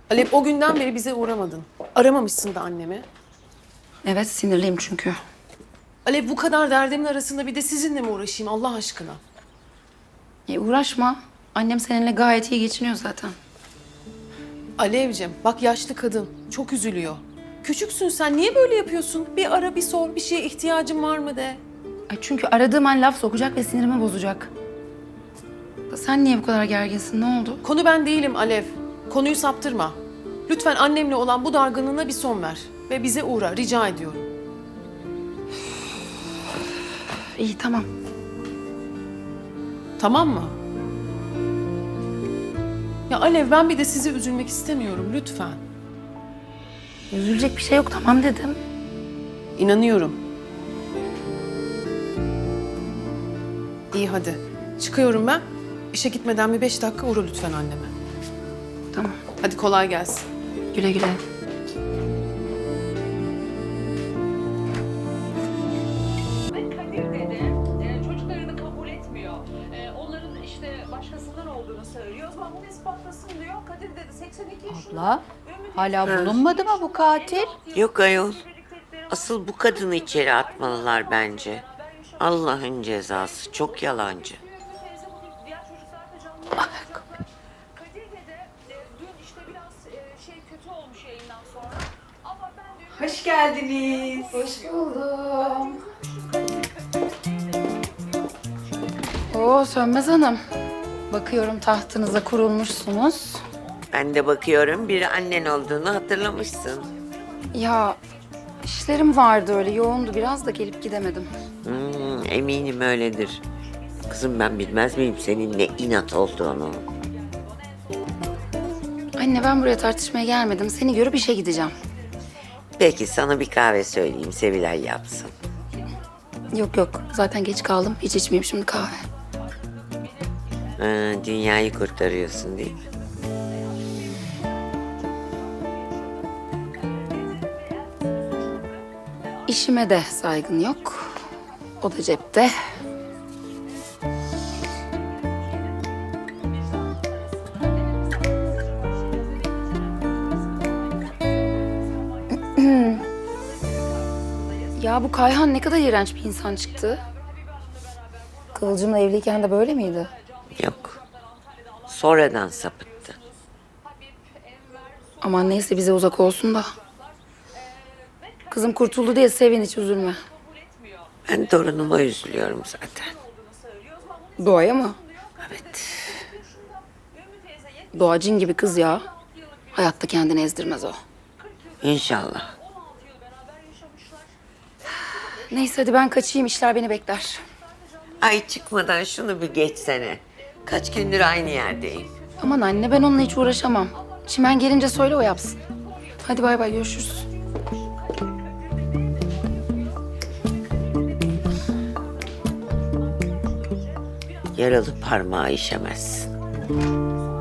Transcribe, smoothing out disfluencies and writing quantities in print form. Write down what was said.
Alev, o günden beri bize uğramadın. Aramamışsın da annemi. Evet, sinirliyim çünkü. Alev, bu kadar derdimin arasında bir de sizinle mi uğraşayım Allah aşkına? Uğraşma. Annem seninle gayet iyi geçiniyor zaten. Alevcim, bak yaşlı kadın çok üzülüyor. Küçüksün sen, niye böyle yapıyorsun? Bir ara, bir sor, bir şeye ihtiyacın var mı de. Ay çünkü aradığım an laf sokacak ve sinirimi bozacak. Sen niye bu kadar gerginsin? Ne oldu? Konu ben değilim Alev. Konuyu saptırma. Lütfen annemle olan bu dargınlığına bir son ver. Ve bize uğra, rica ediyorum. İyi, tamam. Tamam mı? Ya Alev, ben bir de sizi üzülmek istemiyorum, lütfen. Üzülecek bir şey yok, tamam dedim. İnanıyorum. İyi hadi. Çıkıyorum ben. İşe gitmeden bir 5 dakika uğra lütfen anneme. Tamam. Hadi kolay gelsin. Güle güle. Ve Kadir dede çocuklarını kabul etmiyor. Onların işte başkasından olduğunu söylüyor. O zaman bunu ispatlasın diyor. Kadir dede 82 yaşında. Abla, hala bulunmadı mı bu katil? Yok ayol. Asıl bu kadını içeri atmalılar bence. Allah'ın cezası. Çok yalancı. Diğer çocuklar da canlı. Kadir dede dün işte biraz şey kötü olmuş yayından sonra. Ama ben dün... Hoş geldiniz. Oo Sönmez Hanım. Bakıyorum tahtınıza kurulmuşsunuz. Ben de bakıyorum bir annen olduğunu hatırlamışsın. Ya işlerim vardı öyle yoğundu biraz da gelip gidemedim. Eminim öyledir. Kızım ben bilmez miyim senin ne inat olduğunu? Anne ben buraya tartışmaya gelmedim. Seni görüp işe gideceğim. Peki sana bir kahve söyleyeyim Sevilay yapsın. Yok yok zaten geç kaldım. Hiç içmeyeyim şimdi kahve. Dünyayı kurtarıyorsun değil mi? İşime de saygın yok. O da cepte. Ya bu Kayhan ne kadar iğrenç bir insan çıktı. Kıvılcım'la evliyken de böyle miydi? Yok. Sonradan sapıttı. Aman neyse bize uzak olsun da. Kızım kurtuldu diye sevin hiç üzülme. Ben torunuma üzülüyorum zaten. Doğaya mı? Evet. Doğa cin gibi kız ya. Hayatta kendini ezdirmez o. İnşallah. Neyse hadi ben kaçayım işler beni bekler. Ay çıkmadan şunu bir geçsene. Kaç gündür aynı yerdeyim. Aman anne ben onunla hiç uğraşamam. Çimen gelince söyle o yapsın. Hadi bay bay görüşürüz. Yaralı parmağı işemezsin.